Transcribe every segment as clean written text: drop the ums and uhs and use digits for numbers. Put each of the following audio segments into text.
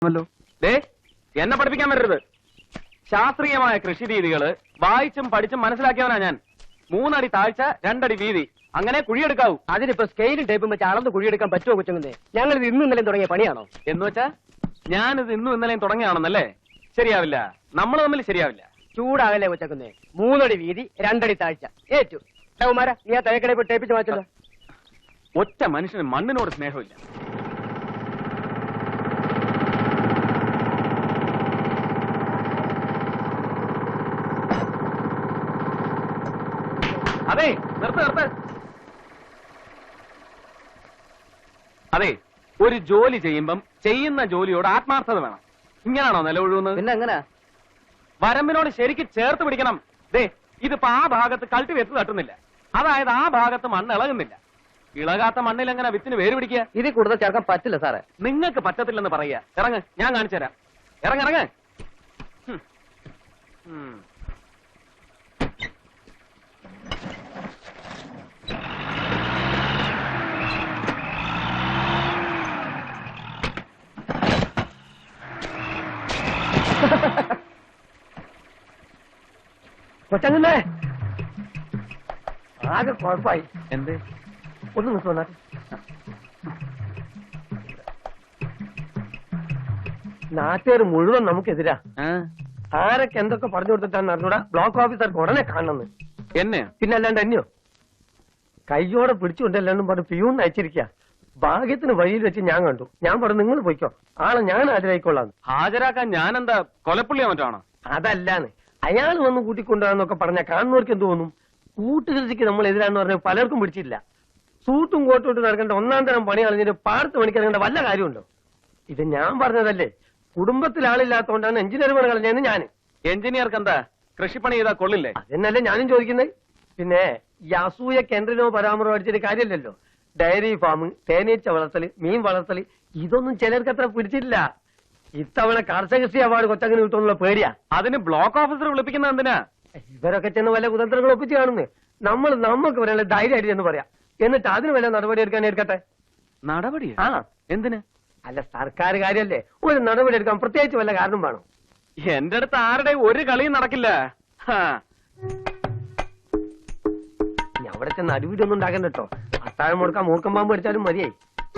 എന്നെ പഠിപ്പിക്കാൻ വരരുത്. ശാസ്ത്രീയമായ കൃഷി രീതികള് വായിച്ചും പഠിച്ചും മനസ്സിലാക്കിയവനാ ഞാൻ. 3 അടി താഴ്ച 2 അടി വീതി, അങ്ങനെ കുഴിയെടുക്കാവൂ. അതിനിപ്പോ സ്കെയിലും ടേപ്പും വെച്ച് അളന്ന് കുഴിയെടുക്കാൻ പറ്റുമോ കൊച്ചുങ്ങന്നേ? ഞങ്ങളിത് ഇന്നും ഇന്നലെയും തുടങ്ങിയ പണിയാണോ? എന്ന് വെച്ചാ ഞാനിത് ഇന്നും ഇന്നലെയും തുടങ്ങിയാണെന്നല്ലേ? ശരിയാവില്ല, നമ്മൾ തമ്മിൽ ശരിയാവില്ല. ചൂടാകല്ലേ കൊച്ചക്കുന്നേ? 3 അടി വീതി 2 അടി താഴ്ച ഏറ്റു. കുമാര, നീ ആ തലക്കടയിൽ പോയി ടേപ്പിച്ച് മാറ്റല്ലോ. ഒറ്റ മനുഷ്യന് മണ്ണിനോട് സ്നേഹമില്ല. അതെ, നിർത്ത്. അതെ, ഒരു ജോലി ചെയ്യുമ്പം ചെയ്യുന്ന ജോലിയോട് ആത്മാർത്ഥത വേണം. ഇങ്ങനാണോ നിലകൊഴുകുന്നത്? പിന്നെ എങ്ങനെ? വരമ്പിനോട് ശരിക്ക് ചേർത്ത് പിടിക്കണം. ദേ, ഇതിപ്പോ ആ ഭാഗത്ത് കൾട്ടിവേറ്റ് തട്ടുന്നില്ല, അതായത് ആ ഭാഗത്ത് മണ്ണ് ഇളകുന്നില്ല. ഇളകാത്ത മണ്ണിൽ എങ്ങനെ വിത്തിന് വേര് പിടിക്കുക? ഇതിൽ കൂടുതൽ ചേർക്കാൻ പറ്റില്ല സാറേ. നിങ്ങൾക്ക് പറ്റത്തില്ലെന്ന് പറയുക. ഇറങ്ങ്, ഞാൻ കാണിച്ചു തരാം. ഇറങ്ങ്. കൊച്ചങ്ങന്നേ, ആകെ കുഴപ്പമായി. എന്ത്? ഒന്ന് നിൽക്കുവാ. നാട്ടുകാർ മുഴുവൻ നമുക്കെതിരാ. ആരൊക്കെ എന്തൊക്കെ പറഞ്ഞു കൊടുത്തിട്ടാന്ന് അറിഞ്ഞൂടാ. ബ്ലോക്ക് ഓഫീസർക്ക് ഉടനെ കാണണമെന്ന്. എന്നെ? പിന്നെ അല്ലാണ്ട് എന്നെയോ? കയ്യോടെ പിടിച്ചുകൊണ്ടല്ലാണ്ടും പറഞ്ഞു പിയൂൺ അയച്ചിരിക്കുക. ഭാഗ്യത്തിന് വഴിയിൽ വെച്ച് ഞാൻ കണ്ടു. ഞാൻ പറഞ്ഞു നിങ്ങൾ പോയിക്കോ, ആളെ ഞാൻ ഹാജരായിക്കൊള്ളാന്ന്. ഹാജരാക്കാൻ ഞാൻ എന്താ കൊലപ്പുള്ളിയോ മറ്റാണോ? അതല്ലാന്ന്, അയാൾ വന്ന് കൂട്ടിക്കൊണ്ടുവരാന്നൊക്കെ പറഞ്ഞാൽ കാണുന്നവർക്ക് എന്ത് തോന്നും? കൂട്ടുകൃഷിക്ക് നമ്മൾ എതിരാന്ന് പറഞ്ഞാൽ പലർക്കും പിടിച്ചില്ല. സൂട്ടും കോട്ടും ഇട്ട് നടക്കേണ്ട 1-ാം തരം പണി കളഞ്ഞിട്ട് പാടത്ത് പണിക്കിറങ്ങേണ്ട വല്ല കാര്യമുണ്ടോ? ഇത് ഞാൻ പറഞ്ഞതല്ലേ. കുടുംബത്തിൽ ആളില്ലാത്തതുകൊണ്ടാണ് എഞ്ചിനീയർ പണി കളഞ്ഞതെന്ന് ഞാൻ. എഞ്ചിനീയർക്ക് എന്താ കൃഷിപ്പണി ചെയ്താൽ കൊള്ളില്ലേ? അതെന്നല്ലേ ഞാനും ചോദിക്കുന്നത്. പിന്നെ ഈ അസൂയ കേന്ദ്രനോ പരാമർശം അടിച്ചിട്ട് കാര്യമില്ലല്ലോ. ഡയറി ഫാം, തേനീച്ച വളർത്തല്, മീൻ വളർത്തല്, ഇതൊന്നും ചിലർക്ക് അത്ര പിടിച്ചില്ല. ഇത്തവണ കർഷകശ്രീ അവാർഡ് കൊച്ചങ്ങനെ കിട്ടുമെന്നുള്ള പേടിയാ. അതിന് ബ്ലോക്ക് ഓഫീസർ വിളിപ്പിക്കുന്നത് എന്തിനാ? ഇവരൊക്കെ ചെന്ന് വല്ല കുതന്ത്രങ്ങൾ ഒപ്പിച്ച് കാണുന്നു. നമുക്ക് വരാനുള്ള ധൈര്യമായിട്ട് എന്ന് പറയാം. എന്നിട്ട് അതിന് വല്ല നടപടി എടുക്കാൻ എടുക്കട്ടെ. നടപടി? ആ, എന്തിന്? അല്ല, സർക്കാർ കാര്യല്ലേ, ഒരു നടപടി എടുക്കാൻ പ്രത്യേകിച്ച് വല്ല കാരണം വേണം. എന്റെ അടുത്ത് ആരുടെ ഒരു കളിയും നടക്കില്ല. അവിടെ ചെന്ന് അടിപിടിയൊന്നും ഉണ്ടാക്കണ്ട കേട്ടോ. അത്താഴം മുടക്കാൻ മൂർക്കം പാമ്പ് അടിച്ചാലും മതിയായി.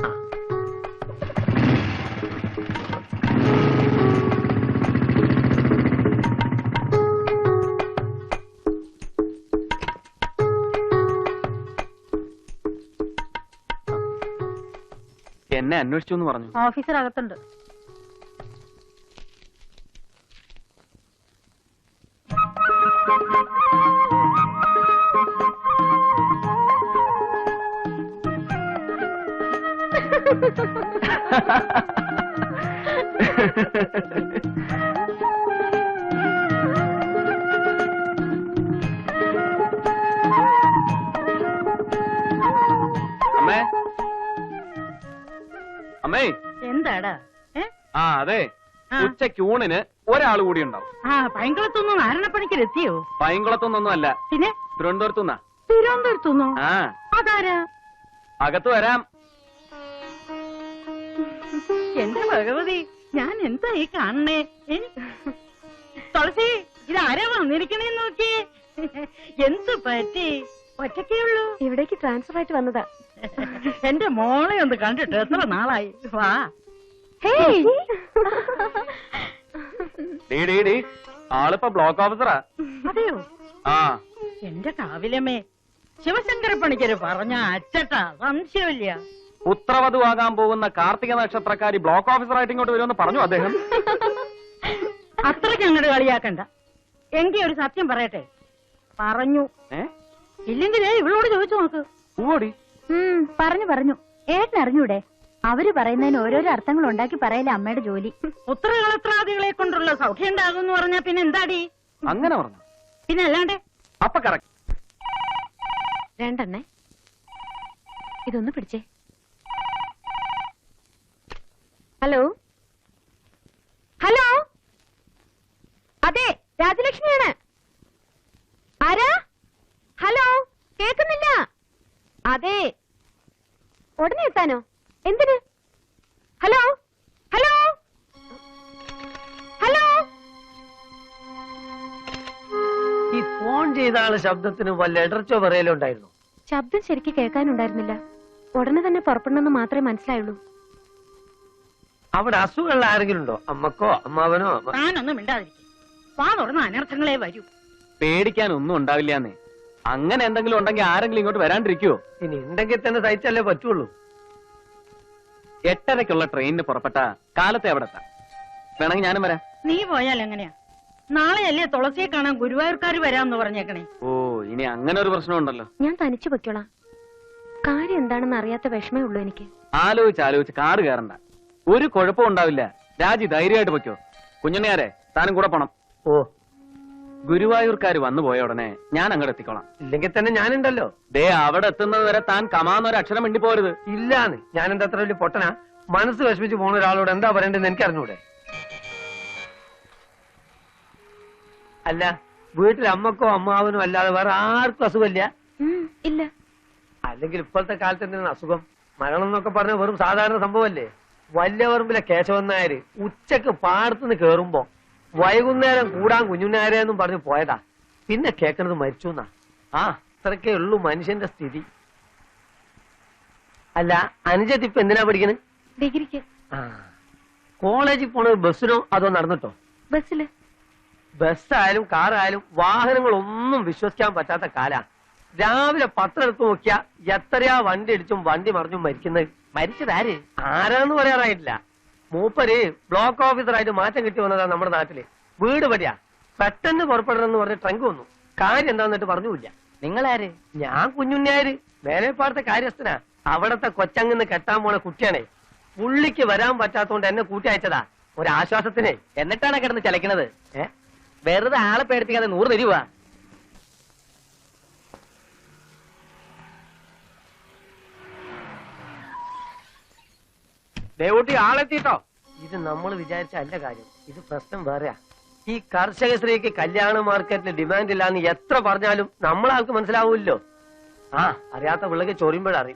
എന്നെ അന്വേഷിച്ചു എന്ന് പറഞ്ഞു. ഓഫീസർ അകത്തുണ്ട്. അമ്മേ, അമ്മേ. എന്താടാ? ആ അതെ, ഉച്ചയ്ക്ക് ഊണിന് ഒരാൾ കൂടി ഉണ്ടാവും. പൈങ്കുളത്തൊന്നും നാരായണപ്പണിക്കർ എത്തിയോ? പൈങ്കുളത്തൊന്നും അല്ല, പിന്നെ തിരുവനന്തപുരത്തുനിന്നാ. തിരുവനന്തപുരത്തുനിന്നോ? ആ, അതാരാ? അകത്ത് വരാം. എന്റെ ഭഗവതി, ഞാൻ എന്താ ഈ കാണണേ? തുളസി, ഇതാരാ വന്നിരിക്കണേന്ന് നോക്കിയേ. എന്ത് പറ്റി? ഒറ്റക്കേ ഉള്ളൂ? ഇവിടേക്ക് ട്രാൻസ്ഫർ ആയിട്ട് വന്നതാ. എന്റെ മോളെ ഒന്ന് കണ്ടിട്ട് എത്ര നാളായി. വാ. ആളിപ്പോ ബ്ലോക്ക് ഓഫീസറാ. അതെയോ? ആ. എന്റെ കാവിലമ്മേ, ശിവശങ്കര പണിക്കര് പറഞ്ഞ അച്ചട്ടാ, സംശയമില്ല. പുത്രവധുവാകാൻ പോകുന്ന കാർത്തിക നക്ഷത്രക്കാരി ബ്ലോക്ക് ഓഫീസറായിട്ട് ഇങ്ങോട്ട് വരുമെന്ന് പറഞ്ഞു അദ്ദേഹം. അത്രയ്ക്ക് അങ്ങോട്ട് കളിയാക്കണ്ട. എങ്കി ഒരു സത്യം പറയട്ടെ. പറഞ്ഞു. ഇല്ലെങ്കിലേ ഇവളോട് ചോദിച്ചു നോക്ക്. ഓടി പറഞ്ഞു ഏട്ടൻ അറിഞ്ഞൂടെ? അവര് പറയുന്നതിന് ഓരോരോ അർത്ഥങ്ങൾ ഉണ്ടാക്കി പറയല അമ്മയുടെ ജോലി. പുത്രകളത്രാദികളെ കൊണ്ടുള്ള സൗഖ്യം ഉണ്ടാകും എന്ന് പറഞ്ഞാ പിന്നെ എന്താടി? അങ്ങനെ പറഞ്ഞു. പിന്നെ അല്ലാണ്ട് അപ്പൊ കറക്റ്റ്. രണ്ടെണ്ണേ, ഇതൊന്ന് പിടിച്ചേ. ഹലോ ഹലോ, അതെ, രാജലക്ഷ്മിയാണ്. ആരാ? ഹലോ, കേൾക്കുന്നില്ല. അതെ, ഉടനെ എത്താനോ? എന്തിന്? ഹലോ ഹലോ, ഫോൺ ചെയ്ത ആളെ ശബ്ദത്തിന് വല്ല ഇടർച്ചോ പറയലോ ഉണ്ടായിരുന്നു? ശബ്ദം ശരിക്ക് കേൾക്കാനുണ്ടായിരുന്നില്ല. ഉടനെ തന്നെ പുറപ്പെടണമെന്ന് മാത്രമേ മനസ്സിലായുള്ളൂ. അവിടെ അസുഖമുള്ള ആരെങ്കിലും ഉണ്ടോ? അമ്മക്കോ അമ്മാവനോ? താനൊന്നും മിണ്ടാതിരിക്കും. വാ തുറന്ന അനർത്ഥങ്ങളെ വരൂ. പേടിക്കാനൊന്നും ഉണ്ടാവില്ലാന്നേ. അങ്ങനെ എന്തെങ്കിലും ഉണ്ടെങ്കിൽ ആരെങ്കിലും ഇങ്ങോട്ട് വരാണ്ടിരിക്കുവോ? ഇനി ഉണ്ടെങ്കിൽ തന്നെ സഹിച്ചല്ലേ പറ്റുള്ളൂ. 8:30-ക്കുള്ള ട്രെയിനിന് പുറപ്പെട്ട കാലത്തെ അവിടെ എത്താം. വേണമെങ്കിൽ ഞാനും വരാം. നീ പോയാൽ എങ്ങനെയാ? നാളെയല്ലേ തുളസിയെ കാണാൻ ഗുരുവായൂർക്കാർ വരാമെന്ന് പറഞ്ഞേക്കണേ. ഓ, ഇനി അങ്ങനെ ഒരു പ്രശ്നമുണ്ടല്ലോ. ഞാൻ തനിച്ചു പൊയ്ക്കോളാം. കാര്യം എന്താണെന്ന് അറിയാത്ത വിഷമേ ഉള്ളൂ എനിക്ക്. ആലോചിച്ച് കാറ് കയറണ്ട. ഒരു കുഴപ്പവും ഉണ്ടാവില്ല. രാജി ധൈര്യമായിട്ട് പൊയ്ക്കോ. കുഞ്ഞുണ്ണിയാരെ, താനും കൂടെ പോണം. ഓ, ഗുരുവായൂർക്കാർ വന്നു പോയ ഉടനെ ഞാൻ അങ്ങോട്ട് എത്തിക്കോളാം. ഇല്ലെങ്കിൽ തന്നെ ഞാനുണ്ടല്ലോ. ദേ, അവിടെ എത്തുന്നത് വരെ താൻ കമാന്നൊരു അക്ഷരം മിണ്ടി പോരുത്. ഇല്ലാന്ന്. ഞാൻ എന്താ അത്ര വലിയ പൊട്ടനാ? മനസ്സ് വിഷമിച്ച് പോണ ഒരാളോട് എന്താ പറയണ്ടെന്ന് എനിക്ക് അറിഞ്ഞൂടെ? അല്ല, വീട്ടിൽ അമ്മക്കോ അമ്മാവനോ അല്ലാതെ വേറെ ആർക്കും അസുഖമില്ല? ഇല്ല. അല്ലെങ്കിൽ ഇപ്പോഴത്തെ കാലത്ത് എന്തിനാണ് അസുഖം? മരണം എന്നൊക്കെ പറഞ്ഞ വെറും സാധാരണ സംഭവമല്ലേ? വല്യപറമ്പിലെ കേശവൻ നായര് ഉച്ചക്ക് പാടത്തുനിന്ന് കേറുമ്പോ വൈകുന്നേരം കൂടാൻ കുഞ്ഞുനാരെന്നും പറഞ്ഞു പോയതാ. പിന്നെ കേൾക്കണത് മരിച്ചു എന്നാ. അത്രക്കേ ഉള്ളൂ മനുഷ്യന്റെ സ്ഥിതി. അല്ല, അനുജത്ത് ഇപ്പൊ എന്തിനാ പഠിക്കണേ? ഡിഗ്രിക്ക്. കോളേജിൽ പോണത് ബസ്സിനോ അതോ നടന്നിട്ടോ? ബസ്സില്. ബസ്സായാലും കാറായാലും വാഹനങ്ങളൊന്നും വിശ്വസിക്കാൻ പറ്റാത്ത കാലാ. രാവിലെ പത്രം എടുത്ത് നോക്കിയാ എത്രയാ വണ്ടി ഇടിച്ചും വണ്ടി മറിഞ്ഞും മരിക്കുന്നത്. മരിച്ചതാര് ആരാന്ന് പറയാറായിട്ടില്ല. മൂപ്പര് ബ്ലോക്ക് ഓഫീസറായിട്ട് മാറ്റം കിട്ടി വന്നതാ നമ്മുടെ നാട്ടില്. വീട് പടിയാ. പെട്ടെന്ന് പുറപ്പെടണമെന്ന് പറഞ്ഞ് ട്രങ്ക് വന്നു. കാര്യം എന്താന്നിട്ട് പറഞ്ഞില്ല. നിങ്ങളാര്? ഞാൻ കുഞ്ഞുണ്ണിയാര്, മേലേപ്പാടത്തെ കാര്യസ്ഥനാ. അവിടത്തെ കൊച്ചങ്ങന്ന് കെട്ടാൻ പോണ കുട്ടിയാണേ. പുള്ളിക്ക് വരാൻ പറ്റാത്തോണ്ട് എന്നെ കൂട്ടി അയച്ചതാ ഒരാശ്വാസത്തിനെ. എന്നിട്ടാണ് കിടന്ന് ചലക്കണത്. വെറുതെ ആളെ പേടിപ്പിക്കാതെ 100 തരുവാ. ദേവൂട്ടി, ആളെത്തിട്ടോ? ഇത് നമ്മൾ വിചാരിച്ച അല്ല കാര്യം. ഇത് പ്രശ്നം വേറെയാ. ഈ കർഷക സ്ത്രീക്ക് കല്യാണ മാർക്കറ്റിൽ ഡിമാൻഡ് ഇല്ലാന്ന് എത്ര പറഞ്ഞാലും നമ്മളാൾക്ക് മനസ്സിലാവൂല്ലോ. അറിയാത്ത പിള്ളക്ക് ചൊറിയുമ്പോഴറിയും.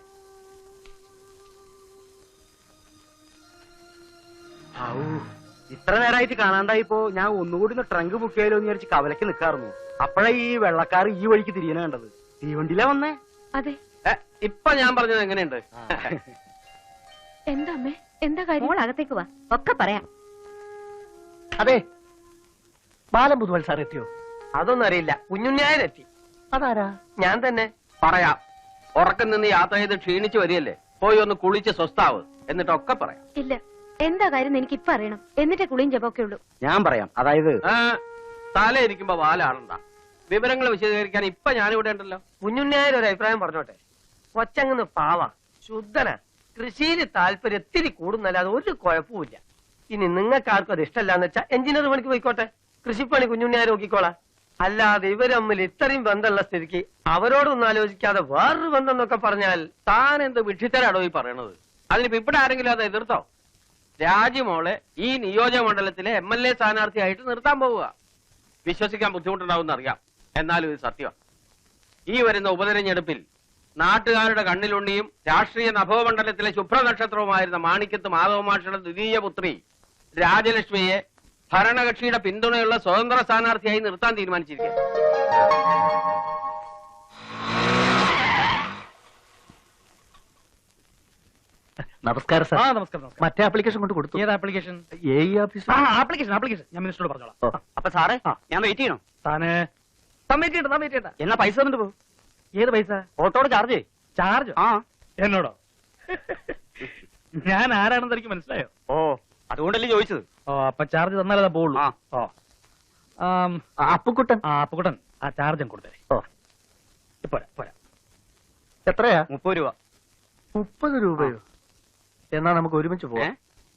ഇത്ര നേരമായിട്ട് കാണാണ്ടായിപ്പോ ഞാൻ ഒന്നുകൂടി ട്രങ്ക് ബുക്ക് ചെയ്യലോ എന്ന് വിചാരിച്ച് കവലക്ക് നിൽക്കാറുന്നു. അപ്പോഴേ ഈ വെള്ളക്കാർ ഈ വഴിക്ക് തിരിയണ കണ്ടത്. തീവണ്ടിയിലാ വന്നേ. അതെ. ഇപ്പൊ ഞാൻ പറഞ്ഞത് എങ്ങനെയുണ്ട്? എന്താ അമ്മേ? എന്താ കാര്യം? മോൾ അകത്തേക്ക് വാ, ഒക്കെ പറയാം. അതെ, ബാലം പുതുവൽ സാർ എത്തിയോ? അതൊന്നും അറിയില്ല. കുഞ്ഞുണ്ണിയാരെത്തി. അതാരാ? ഞാൻ തന്നെ. പറയാം. ഉറക്കം നിന്ന് യാത്ര ചെയ്ത് ക്ഷീണിച്ചു വരികയല്ലേ, പോയി ഒന്ന് കുളിച്ച് സ്വസ്ഥാവ്, എന്നിട്ടൊക്കെ പറയാം. ഇല്ല, എന്താ കാര്യം എനിക്ക് ഇപ്പൊ അറിയണം. എന്നിട്ടേ കുളിയും ജപമൊക്കെ ഉള്ളൂ. ഞാൻ പറയാം. അതായത് തലയിരിക്കുമ്പോ വാലാടണ്ട. വിവരങ്ങൾ വിശദീകരിക്കാൻ ഇപ്പൊ ഞാനിവിടെ ഉണ്ടല്ലോ. കുഞ്ഞുണ്ണിയാർ ഒരു അഭിപ്രായം പറഞ്ഞോട്ടെ. കൊച്ചങ്ങന്ന് പാവ, ശുദ്ധന, കൃഷിയിൽ താല്പര്യം ഇത്തിരി കൂടുന്നല്ലാതെ ഒരു കുഴപ്പമില്ല. ഇനി നിങ്ങൾക്കാർക്കും അത് ഇഷ്ടമല്ലാന്ന് വെച്ചാൽ എഞ്ചിനീയർ പണിക്ക് പോയിക്കോട്ടെ. കൃഷിപ്പണി കുഞ്ഞുണ്ണിയാർ നോക്കിക്കോളാം. അല്ലാതെ ഇവർ തമ്മിൽ ഇത്രയും ബന്ധമുള്ള സ്ഥിതിക്ക് അവരോടൊന്നും ആലോചിക്കാതെ വേറൊരു ബന്ധം എന്നൊക്കെ പറഞ്ഞാൽ താൻ എന്ത് വിഡ്ഢിത്തരാടോ ഈ പറയണത്? അതിനിപ്പോ ഇവിടെ ആരെങ്കിലും അത് എതിർത്തോ? രാജ്യമോളെ ഈ നിയോജക മണ്ഡലത്തിലെ MLA സ്ഥാനാർത്ഥിയായിട്ട് നിർത്താൻ പോവുക. വിശ്വസിക്കാൻ ബുദ്ധിമുട്ടുണ്ടാവും അറിയാം, എന്നാലും ഇത് സത്യമാണ്. ഈ വരുന്ന ഉപതെരഞ്ഞെടുപ്പിൽ നാട്ടുകാരുടെ കണ്ണിലുണ്ണിയും രാഷ്ട്രീയ നഭോമണ്ഡലത്തിലെ ശുഭ്രനക്ഷത്രവുമായിരുന്ന മാണിക്യത്ത് മാധവമാഷയുടെ ദ്വിതീയ പുത്രി രാജലക്ഷ്മിയെ ഭരണകക്ഷിയുടെ പിന്തുണയുള്ള സ്വതന്ത്ര സ്ഥാനാർത്ഥിയായി നിർത്താൻ തീരുമാനിച്ചിരിക്കുക. നമസ്കാരം സാർ. നമസ്കാരം. മറ്റേ ആപ്ലിക്കേഷൻ കൊണ്ട് കൊടുത്തു. ഏത് ആപ്ലിക്കേഷൻ? ഓഫീസ്. ആപ്ലിക്കേഷൻ ഞാൻ മിനിസ്റ്ററോട് പറഞ്ഞോളാം. അപ്പൊ സാറേ, ഞാൻ വെയിറ്റ് ചെയ്യണോ? താന് സബ്മിറ്റ് ചെയ്യണ്ട. എന്നാ പൈസ തന്നിട്ട് പോകും. ഏത് പൈസ? ഓട്ടോട് ചാർജ്. ചാർജ്? എന്നോടോ? ഞാൻ ആരാണെന്ന് എനിക്ക് മനസ്സിലായോ? ഓ, അതുകൊണ്ടല്ലേ ചോദിച്ചത്. ഓ, അപ്പൊ ചാർജ് തന്നാലേ പോവുള്ളൂ. ഓ, അപ്പുക്കുട്ടൻ. അപ്പുകുട്ടൻ, ആ ചാർജും കൊടുത്തേ. ഓ, പോരാ. എത്രയാ? 30 രൂപ. 30 രൂപയോ? എന്നാ നമുക്ക് ഒരുമിച്ച് പോവാം.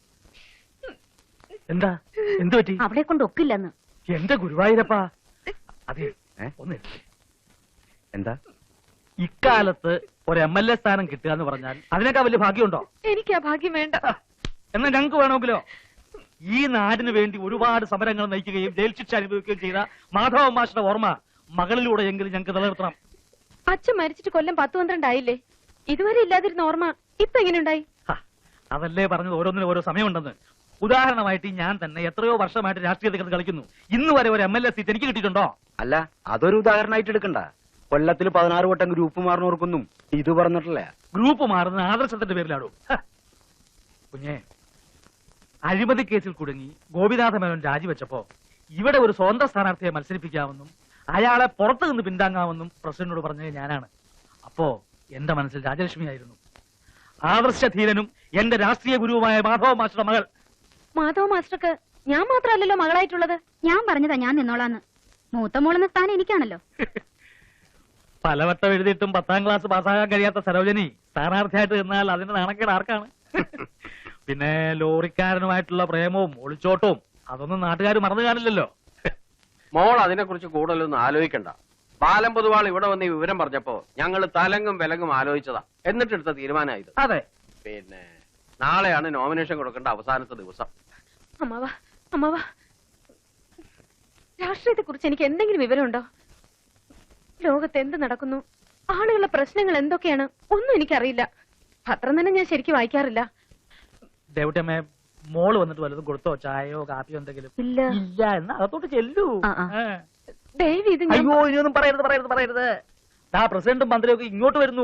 എന്താ? എന്തു പറ്റി? അവിടെ കൊണ്ട് ഒക്കില്ലെന്ന്. എന്റെ ഗുരുവായൂരപ്പാ. അതെ, ഒന്ന് എന്താ? ഇക്കാലത്ത് ഒരു MLA സ്ഥാനം കിട്ടുക എന്ന് പറഞ്ഞാൽ അതിനേക്കാൾ വലിയ ഭാഗ്യമുണ്ടോ? എനിക്ക് ആ ഭാഗ്യം വേണ്ട. എന്നാ ഞങ്ങൾക്ക് വേണമെങ്കിലോ? ഈ നാടിന് വേണ്ടി ഒരുപാട് സമരങ്ങൾ നയിക്കുകയും ജയിൽ ശിക്ഷ അനുഭവിക്കുകയും ചെയ്ത മാധവ മാഷിന്റെ ഓർമ്മ മകളിലൂടെ എങ്കിലും ഞങ്ങൾക്ക് നിലനിർത്തണം. അച്ഛൻ മരിച്ചിട്ട് കൊല്ലം 10-12 ആയില്ലേ? ഇതുവരെ ഇല്ലാതിരുന്ന ഓർമ്മ ഇപ്പൊ എങ്ങനെയുണ്ടായി? അതല്ലേ പറഞ്ഞത്, ഓരോന്നിനും ഓരോ സമയമുണ്ടെന്ന്. ഉദാഹരണമായിട്ട് ഞാൻ തന്നെ എത്രയോ വർഷമായിട്ട് രാഷ്ട്രീയത്തിൽ കളിക്കുന്നു. ഇന്ന് വരെ ഒരു MLA സീറ്റ് എനിക്ക് കിട്ടിയിട്ടുണ്ടോ? അല്ല, അതൊരു ഉദാഹരണമായിട്ട് എടുക്കണ്ട. കൊല്ലത്തിൽ 16 വട്ടം ഗ്രൂപ്പ് മാറുന്നവർക്കൊന്നും ഇത് പറഞ്ഞിട്ടില്ല. ഗ്രൂപ്പ് മാറുന്ന ആദർശത്തിന്റെ പേരിലാടോ. കുഞ്ഞേ, അഴിമതി കേസിൽ കുടുങ്ങി ഗോപിനാഥ മേനോൻ രാജിവെച്ചപ്പോ ഇവിടെ ഒരു സ്വതന്ത്ര സ്ഥാനാർത്ഥിയെ മത്സരിപ്പിക്കാമെന്നും അയാളെ പുറത്തു നിന്ന് പിന്താങ്ങാമെന്നും പ്രസിഡന്റിനോട് പറഞ്ഞത് ഞാനാണ്. അപ്പോ എന്റെ മനസ്സിൽ രാജലക്ഷ്മിയായിരുന്നു. ആദർശധീരനും എന്റെ രാഷ്ട്രീയ ഗുരുവുമായ മാധവ മാസ്റ്ററുടെ മകൾ. മാധവ മാസ്റ്റർക്ക് ഞാൻ മാത്രമല്ലല്ലോ മകളായിട്ടുള്ളത്. ഞാൻ പറഞ്ഞതാ ഞാൻ നിന്നോളാന്ന്. മൂത്ത മോളെന്ന സ്ഥാനം എനിക്കാണല്ലോ. പലവട്ടം എഴുതിയിട്ടും 10ാം ക്ലാസ് പാസ്സാകാൻ കഴിയാത്ത സരോജനി സ്ഥാനാർത്ഥിയായിട്ട് നിന്നാൽ അതിന്റെ നാണക്കേട് ആർക്കാണ്? പിന്നെ ലോറിക്കാരനുമായിട്ടുള്ള പ്രേമവും ഒളിച്ചോട്ടവും അതൊന്നും നാട്ടുകാർ മറന്നു കാണില്ലല്ലോ. മോൾ അതിനെക്കുറിച്ച് കൂടുതലൊന്നും ആലോചിക്കണ്ട. ബാലം പൊതുവാൾ ഇവിടെ വന്ന് ഈ വിവരം പറഞ്ഞപ്പോ ഞങ്ങൾ തലങ്ങും വിലങ്ങും ആലോചിച്ചതാ. എന്നിട്ടെടുത്ത തീരുമാനമായത്. അതെ, പിന്നെ നാളെയാണ് നോമിനേഷൻ കൊടുക്കേണ്ട അവസാനത്തെ ദിവസം. അമ്മാവ, രാഷ്ട്രീയത്തെ കുറിച്ച് എനിക്ക് എന്തെങ്കിലും വിവരമുണ്ടോ? ലോകത്ത് എന്ത് നടക്കുന്നു, ആളുകളുടെ പ്രശ്നങ്ങൾ എന്തൊക്കെയാണ്, ഒന്നും എനിക്കറിയില്ല. പത്രം തന്നെ ഞാൻ ശരിക്കും വായിക്കാറില്ല. ദേവട്ടമ്മേ, മോള് വന്നിട്ട് വല്ലതും കൊടുത്തോ? ചായയോ കാപ്പിയോ എന്തെങ്കിലും? ഇല്ല. ഇല്ല എന്നാ അകത്തോട്ട് ചെല്ലൂ. ദേവി, ഇത് അയ്യോ, ഇനിയൊന്നും പറയരുത്. ആ പ്രസിഡന്റും മന്ത്രിയൊക്കെ ഇങ്ങോട്ട് വരുന്നു.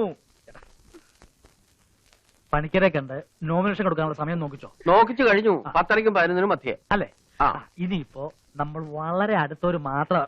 പണിക്കരെ കണ്ട് നോമിനേഷൻ കൊടുക്കാനുള്ള സമയം നോക്കിച്ചു കഴിഞ്ഞു. 10:30ക്കും 11നും മധ്യേ അല്ലേ? ഇനിയിപ്പോ നമ്മൾ വളരെ അടുത്തവര് മാത്രം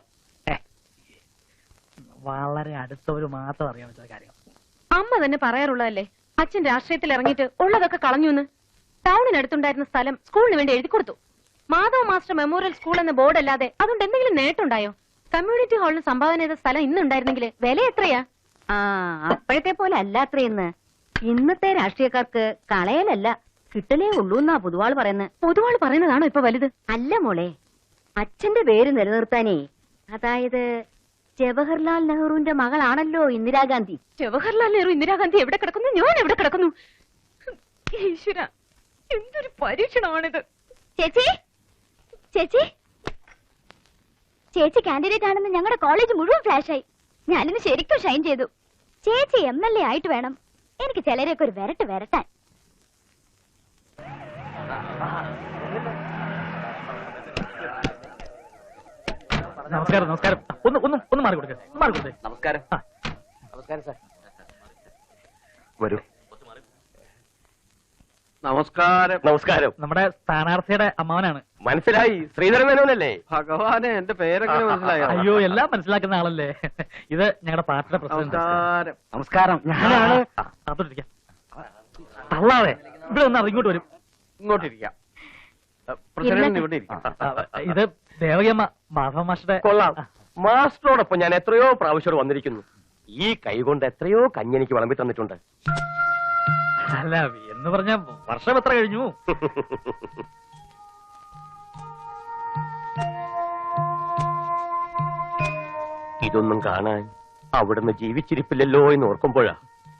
അറിയാൻ വെച്ച കാര്യം. അമ്മ തന്നെ പറയാറുള്ളതല്ലേ, അച്ഛൻ രാഷ്ട്രീയത്തിൽ ഇറങ്ങിയിട്ട് ഉള്ളതൊക്കെ കളഞ്ഞു. ടൗണിനടുത്തുണ്ടായിരുന്ന സ്ഥലം സ്കൂളിന് വേണ്ടി എഴുതി കൊടുത്തു. മാധവ മാസ്റ്റർ മെമ്മോറിയൽ സ്കൂൾ എന്ന ബോർഡ് അല്ലാതെ അതുകൊണ്ട് എന്തെങ്കിലും നേട്ടമുണ്ടായോ? കമ്മ്യൂണിറ്റി ഹാളിന് സംഭാവന ചെയ്ത സ്ഥലം ഇന്നുണ്ടായിരുന്നെങ്കിൽ വില എത്രയാ? അപ്പോഴത്തെ പോലെ അല്ലാത്രയെന്ന്. ഇന്നത്തെ രാഷ്ട്രീയക്കാർക്ക് കളയലല്ല കിട്ടലേ ഉള്ളൂ എന്നാ പൊതുവാൾ പറയുന്നത്. പൊതുവാൾ പറയുന്നതാണോ ഇപ്പൊ വലുത്? അല്ല മോളെ, അച്ഛന്റെ പേര് നിലനിർത്താനേ, അതായത് ജവഹർലാൽ നെഹ്റുവിന്റെ മകളാണല്ലോ ഇന്ദിരാഗാന്ധി. ജവഹർലാൽ നെഹ്റു ഇന്ദിരാഗാന്ധി എവിടെ കിടക്കുന്നു, ഞാൻ എവിടെ കിടക്കുന്നു? ഈശ്വര, എന്തൊരു പരീക്ഷണമാണിത്. ചേച്ചി ചേച്ചി ചേച്ചി കാൻഡിഡേറ്റ് ആണെന്ന് ഞങ്ങളുടെ കോളേജ് മുഴുവൻ ഫ്ലാഷായി. ഞാനിന്ന് ശരിക്കും ഷൈൻ ചെയ്തു. ചേച്ചി MLA ആയിട്ട് വേണം എനിക്ക് ചിലരെയൊക്കെ ഒരു വരട്ടാൻ. നമസ്കാരം. ഒന്ന് മാറി കൊടുക്കേ. നമസ്കാരം. നമസ്കാരം സാർ. വരൂ. നമസ്കാരം. നമ്മുടെ സ്ഥാനാർത്ഥിയുടെ അമ്മാവനാണ്. മനസ്സിലായി, ശ്രീധരൻ മേനോനല്ലേ? ഭഗവാനെ, എന്റെ പേരെങ്ങനെ മനസ്സിലായോ? അയ്യോ, എല്ലാം മനസ്സിലാക്കുന്ന ആളല്ലേ. ഇത് ഞങ്ങളുടെ പാർട്ടിയുടെ പ്രസിഡന്റ്. നമസ്കാരം, ഞാനാണ്. അതോട്ടിരിക്കാം. തള്ളാതെ ഇവിടെ ഒന്ന് ഇങ്ങോട്ട് വരും. ഇങ്ങോട്ടിരിക്കാം. പ്രസിഡന്റ് ഇവിടെ ഇരിക്കാം. ഇത് ദേവകിയമ്മ, മാധവ മാസ്റ്ററുടെ. കൊള്ളാം. മാസ്റ്ററോടൊപ്പം ഞാൻ എത്രയോ പ്രാവശ്യം വന്നിരിക്കുന്നു. ഈ കൈ കൊണ്ട് എത്രയോ കഞ്ഞെനിക്ക് വിളമ്പി തന്നിട്ടുണ്ട്. അല്ല, എന്ന് പറഞ്ഞ വർഷം എത്ര കഴിഞ്ഞു? ഇതൊന്നും കാണാൻ അവിടുന്ന് ജീവിച്ചിരിപ്പില്ലല്ലോ എന്ന് ഓർക്കുമ്പോഴാ.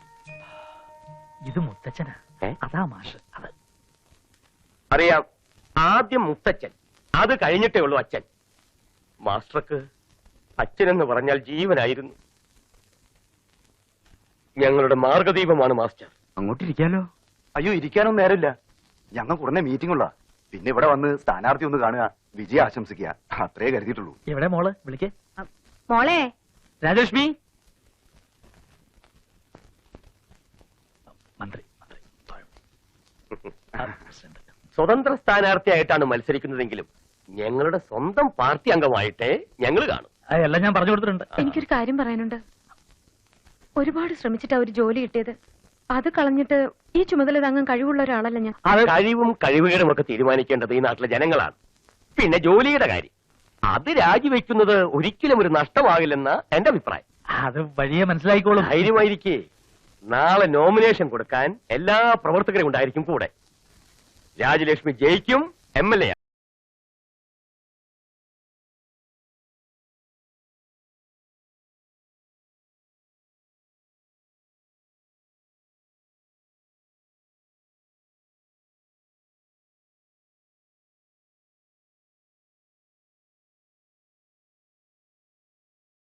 ഇത് മുത്തച്ഛനാ. അതാ മാഷ്. അത് അറിയാം. ആദ്യം മുത്തച്ഛൻ, അത് കഴിഞ്ഞിട്ടേ ഉള്ളൂ അച്ഛൻ. മാസ്റ്റർക്ക് അച്ഛനെന്ന് പറഞ്ഞാൽ ജീവനായിരുന്നു. ഞങ്ങളുടെ മാർഗദീപമാണ് മാസ്റ്റർ. അങ്ങോട്ടിരിക്കാലോ? അയ്യോ, ഇരിക്കാനൊന്നും നേരമില്ല. ഞങ്ങൾക്ക് ഉടനെ മീറ്റിംഗ് ഉള്ള. പിന്നെ ഇവിടെ വന്ന് സ്ഥാനാർത്ഥി ഒന്ന് കാണുക, വിജയം ആശംസിക്കുക, അത്രേ കരുതിയിട്ടുള്ളൂ. എവിടെ മോള്? വിളിക്കേ. മോളെ, രാജലക്ഷ്മി. മന്ത്രി. സ്വതന്ത്ര സ്ഥാനാർത്ഥിയായിട്ടാണ് മത്സരിക്കുന്നതെങ്കിലും ഞങ്ങളുടെ സ്വന്തം പാർട്ടി അംഗമായിട്ടേ ഞങ്ങൾ കാണും. എല്ലാം ഞാൻ പറഞ്ഞു കൊടുത്തിട്ടുണ്ട്. എനിക്കൊരു കാര്യം പറയാനുണ്ട്. ഒരുപാട് ശ്രമിച്ചിട്ടാ ഒരു ജോലി കിട്ടിയത്. അത് കളഞ്ഞിട്ട് ഈ ചുമതല താങ്ങാൻ കഴിവുള്ള ഒരാളല്ല ഞാൻ. കഴിവും കഴിവുകേടും ഒക്കെ തീരുമാനിക്കേണ്ടത് ഈ നാട്ടിലെ ജനങ്ങളാണ്. പിന്നെ ജോലിയുടെ കാര്യം, അത് രാജിവെക്കുന്നത് ഒരിക്കലും ഒരു നഷ്ടമാകില്ലെന്ന എന്റെ അഭിപ്രായം. അത് വഴിയെ മനസ്സിലായിക്കോളും. ധൈര്യമായിരിക്കേ. നാളെ നോമിനേഷൻ കൊടുക്കാൻ എല്ലാ പ്രവർത്തകരും ഉണ്ടായിരിക്കും കൂടെ. രാജലക്ഷ്മി ജയിക്കും, MLA